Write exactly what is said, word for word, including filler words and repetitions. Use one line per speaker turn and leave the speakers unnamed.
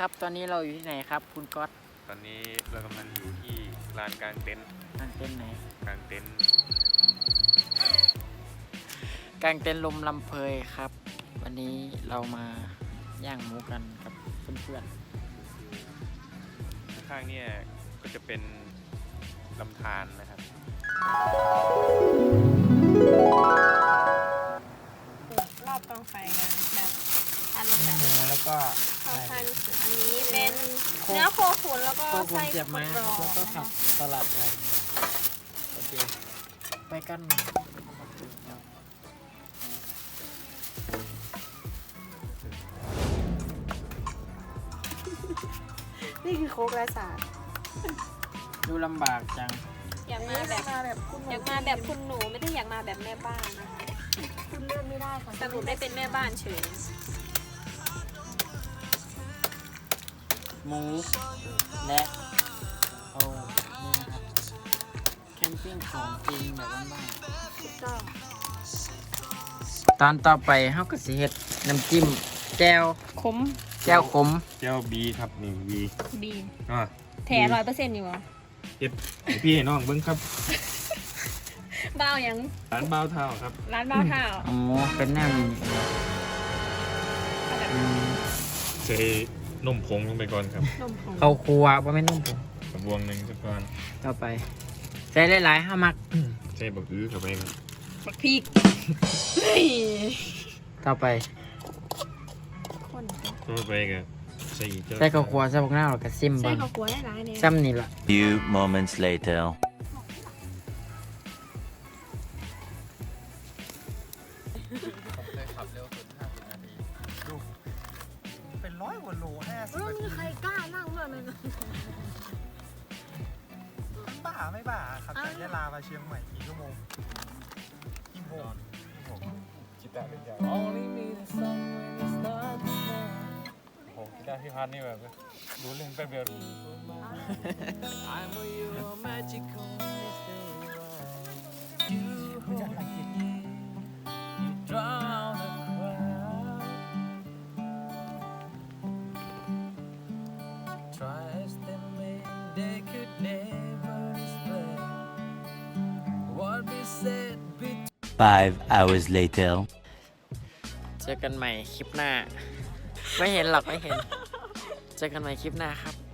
ครับตอนนี้เราอยู่ที่ไหนครับคุณก๊อต
ตอนนี้เรากำลังอยู่ที่ลานกลางเต็นท์
กางเต็นท์ไหน
กลางเต็นท์
กางเต็นท์ลมลำเพยครับวันนี้เรามาย่างหมูกันกับเพื่อน
ข้างเนี่ยก็จะเป็นลำธารนะครับ
รอบกองไฟกันแบบอารมณ์แบบ
หมูแล้วก็
ข้าวพันธุ์อันนี้เป็นเนื้อโคขุนแล้วก็
โคขุน
ไส้
เสียบไม้
กรอบ
แล้วก็ผักสลัดอะไรโอเคไปกัน
นี่คือโคกและสาด
ดูลำบากจัง
อยากมาแบบอยากมาแบบคุณหนูไม่ได้อยากมาแบบแม่บ้านนะคะคุณเลือกไม่ได้ค่ะสรุปได้เป็นแม่บ้านเฉย
หมูและเอานี่นะครับแคมปิ้งของจริงแบบบ้าน
ถูกต้อง
ๆตอนต่อไปเฮาก็สิเฮ็ดน้ำจิ้มแจ่ว
ขม
แจ่วขม
เจ้าบีครับนี่บี
บีน
อ่ะ
แถร้อยเปอร์เซ็นต์อยู่เหรอ
เก็บให้พี่ให้น้องเบิ้งครับ
บ้าวยัง
ร้านบ้าวเท่าครับ
ร้านบ้าวเท้า
อ๋อเป็นแนวนี้อืม
ใส่นมผงลงไปก่อนครับ
นมผง
เข้าครัวบ่แม่นนุ่มผม
กระบวงหนึ่งสักก่อน
ต่อไปใส่หลายๆห้ามัก
ใส่บักอื้อเข้าไปครับ
บักพริกเฮ้ย
ต่อไป
คน
ต่อไปก็ใส่เจ้า
ใส่ข้าวคั่วใส่พวกหน้าแล้วก็ซิม
ใส่
เบิ่ง
ข้าวคั่วได้หลายเนี่ย
ซ้ำนี่ล่ะ
Few moments later.
เป็นร้อยกว่าโลห้าสิบ
แล้ว
นา
มี
ที
ใครกล้านั่งด้วยมั้ย
บ้าไม่บ้าครับจากยะลามาเชียงใหม่กี่ชั่วโมงกี่โมง
กีตาร์เป็นอย่างอ๋อนี่มีโอ้กีตาร์พี่พัดนี่แบบรู้เล่นแป๊บเดียว
Five hours later.
เจอกันใหม่คลิปหน้า ไม่เห็นหรอกไม่เห็น เจอกันใหม่คลิปหน้าครับ